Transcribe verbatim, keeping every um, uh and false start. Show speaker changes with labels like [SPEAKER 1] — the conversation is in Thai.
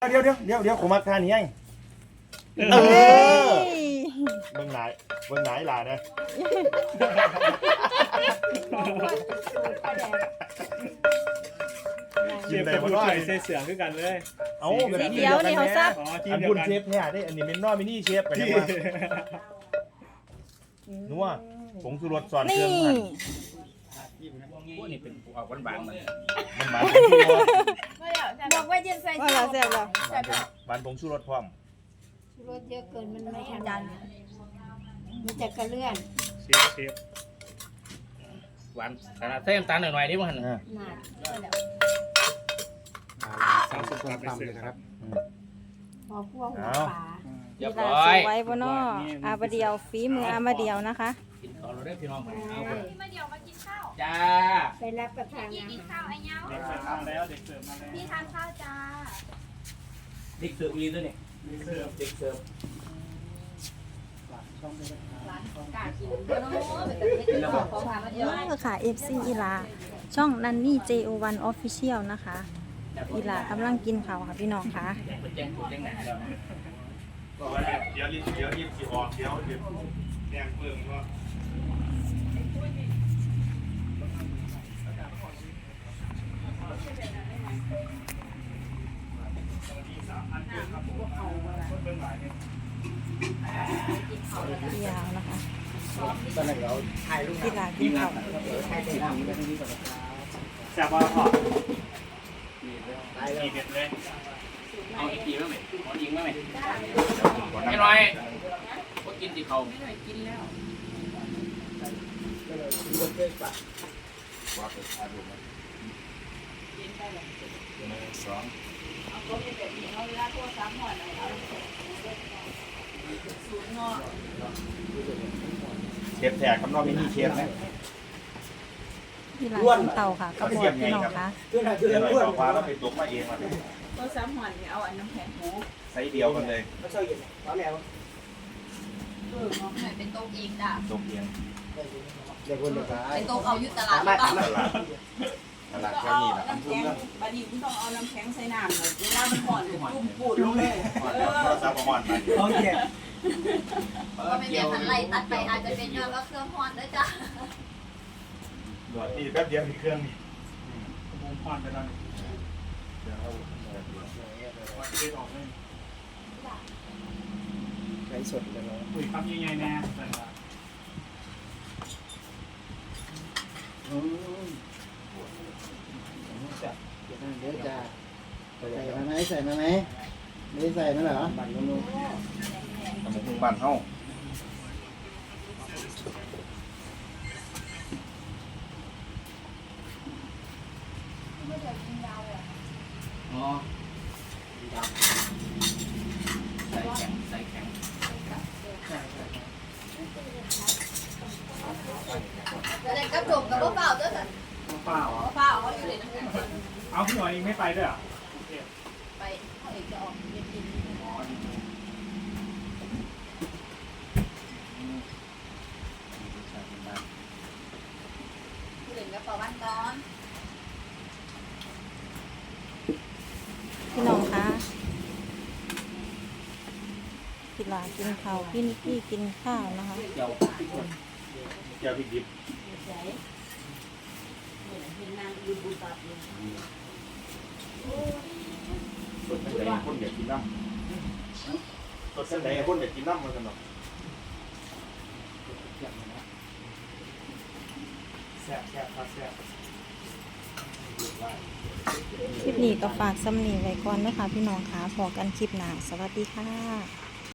[SPEAKER 1] เดี๋ยวเดี๋ยวเดี๋ยวเดี๋ยวผมมาทานนี้ไงเออเบิ่งไหนเบิ่งไหนล่ะนะ
[SPEAKER 2] เชฟกับผู้ช่วยเสียเสือคือกันเลย
[SPEAKER 1] เอา
[SPEAKER 3] สีเดียวนี่เขาซับ
[SPEAKER 2] อ๋อทีม
[SPEAKER 1] อัน
[SPEAKER 2] เดีย
[SPEAKER 1] คุ
[SPEAKER 2] ว
[SPEAKER 1] ณ
[SPEAKER 2] กัน
[SPEAKER 1] เชฟเนี่ยได้อันนี้เป็นนอมินี่เชฟกันยังว่านัวผงชูรสสอนเครื่
[SPEAKER 3] นี่
[SPEAKER 1] องหั่น
[SPEAKER 4] พวกนี้เป็นออกหวานๆมัน
[SPEAKER 1] มันหวานผงชูรส
[SPEAKER 5] บอกว่าจะใส่
[SPEAKER 3] ว่าเราแซ่บแล้ว
[SPEAKER 1] หวานผงชูรสพร้อม
[SPEAKER 5] รสเยอะเกินมันไม่ทันดันมันจะกระเลื่อน
[SPEAKER 2] เชฟเชฟ
[SPEAKER 4] หวานขนาดใส่น้ำตาลหน่อยๆนี่มัน
[SPEAKER 1] อ่า
[SPEAKER 5] หนาแล้ว
[SPEAKER 2] สามสิบกว่าไปเสือครับ
[SPEAKER 5] พอพวกหัวปลา
[SPEAKER 4] เรียบ
[SPEAKER 3] ลา
[SPEAKER 4] ร้อ
[SPEAKER 3] ส
[SPEAKER 4] ย
[SPEAKER 3] วยบนออาบะเดียวฝีมืออามาเดียวนะคะ
[SPEAKER 4] กินข้าวเราได้พี่น้องเอาไป
[SPEAKER 6] มาเดี๋ยวมากินข้าว
[SPEAKER 4] จ้า
[SPEAKER 5] ไปรับประทาน
[SPEAKER 6] พี่
[SPEAKER 5] อา
[SPEAKER 6] กิน
[SPEAKER 5] หา
[SPEAKER 6] ข้าร วไอ้เนี้ย
[SPEAKER 2] เด็กเสิร์ฟมาแล้วเด็กเสิร์ฟมาแล้ว
[SPEAKER 6] พี่ทานข้าวจ้า
[SPEAKER 4] เด็กเสิร์ฟอีด้วยนี่
[SPEAKER 2] เด็กเสิร์ฟ
[SPEAKER 4] เด็กเสิร์ฟ
[SPEAKER 6] กากินเดี๋ยวน้องเป็นแต่ไม่กินของของทานมาเดียว
[SPEAKER 3] นี่ก็ค่ะ เอฟ ซี อีลา ช่องนันนี่ เจ โอ วัน Official นะคะ อีลากำลังกินข้าวค่ะพี่น้องค่ะ
[SPEAKER 4] เป็นแจ้งถูกแจ้งหนาแล้ว
[SPEAKER 1] เดี๋ยวรีบเดี๋ยวรีบสิออกเดี๋ยวเดี๋ยวแดงเพิ่มก็
[SPEAKER 3] ยาวนะคะ
[SPEAKER 4] ตอนนั้นเราถ่ายรูป
[SPEAKER 3] อีลากินข้าว
[SPEAKER 4] ถ่ายถ่ายทำแบบนี้ก่อน
[SPEAKER 2] แซ่บว่าพอ
[SPEAKER 4] ได้
[SPEAKER 2] กี่
[SPEAKER 4] เลย
[SPEAKER 2] เด็ดเลย
[SPEAKER 4] เอาอีกทีมั้ยเอาอีกมั้ยไม่น้อยก็กินที่เขาไม่น้อยกินแล้วสอง
[SPEAKER 1] เชฟแขกกับนอมินี่เชฟนะ
[SPEAKER 3] อีลากินเต่าค่ะกระบอกพี่น้องค่ะ
[SPEAKER 1] เดี๋ยวหน่อยบอกว่าเราไปตกมาเองมา
[SPEAKER 5] ก็สามหอนเอาอันน้ำแข็งหู
[SPEAKER 1] ไซส์เดียวกันเลย
[SPEAKER 6] เออหน่อยเป็นโต๊ะเองจ้ะ
[SPEAKER 1] ตกเอง
[SPEAKER 6] เป็นโต๊ะเอาอยู่ตลาดหรือเปล่า
[SPEAKER 1] ตลาดตลาดแค่นี้แหละ
[SPEAKER 5] น้ำแข็งบัดนี้คุณต้องเอาน้ำแข็งใส่น้ำเลยเวลามันห่อนจุ่มปูดลงเลย
[SPEAKER 1] โทรศัพท์ประมาณนั้น
[SPEAKER 4] โอเค
[SPEAKER 6] ก็ไม่มีพันไรตัดไปอาจจะเป็นยอดว่าเครื่องฮอนด้วยจ้ะ
[SPEAKER 1] ด่วนนี่แป๊บเดียวมีเครื่องนี่
[SPEAKER 2] วงพอนไปแล้วนี่วัดเด็ดออกเลย
[SPEAKER 4] ไก่สดเลยเนาะ
[SPEAKER 2] อุ้ยคำยังไงแน่แต่ว่า
[SPEAKER 4] เดี๋ยวจะใส่มาไหมใส่มาไหมไม่ได้ใส่มาเหรอบัตรลง
[SPEAKER 1] ตำบลบ้านเฮา
[SPEAKER 4] อ๋อใส่แข็งใส่แข็ง
[SPEAKER 6] แต่กระจกกับเปล่าด้วยจ้ะ
[SPEAKER 2] เปล่า
[SPEAKER 6] เปล่าเขาอยู่ในน้ำแข็ง
[SPEAKER 2] เอาพี่หน่อยเองไม่ไปด้วยอ่ะ
[SPEAKER 6] ไปเขาเอกจะออกเย็นกินผู้เล่นกระเป๋าบ้านก้อน
[SPEAKER 3] พี่น้องคะอีลากินข้าวพี่นิกกี้กินข้าวนะคะ
[SPEAKER 4] เดี๋ยว
[SPEAKER 1] แก้วพริกดิบสดเส้นไหนคนอยากกินน้ำสดเส้นไหนคนอยากกินน้ำมาสนุก
[SPEAKER 2] แซ่บแซ่บครับแซ่บ
[SPEAKER 3] คลิปนี้ก็ฝากซ้ำนีไว้ก่อนนะคะพี่น้องค่ะพอกันคลิปหน้าสวัสดีค่ะ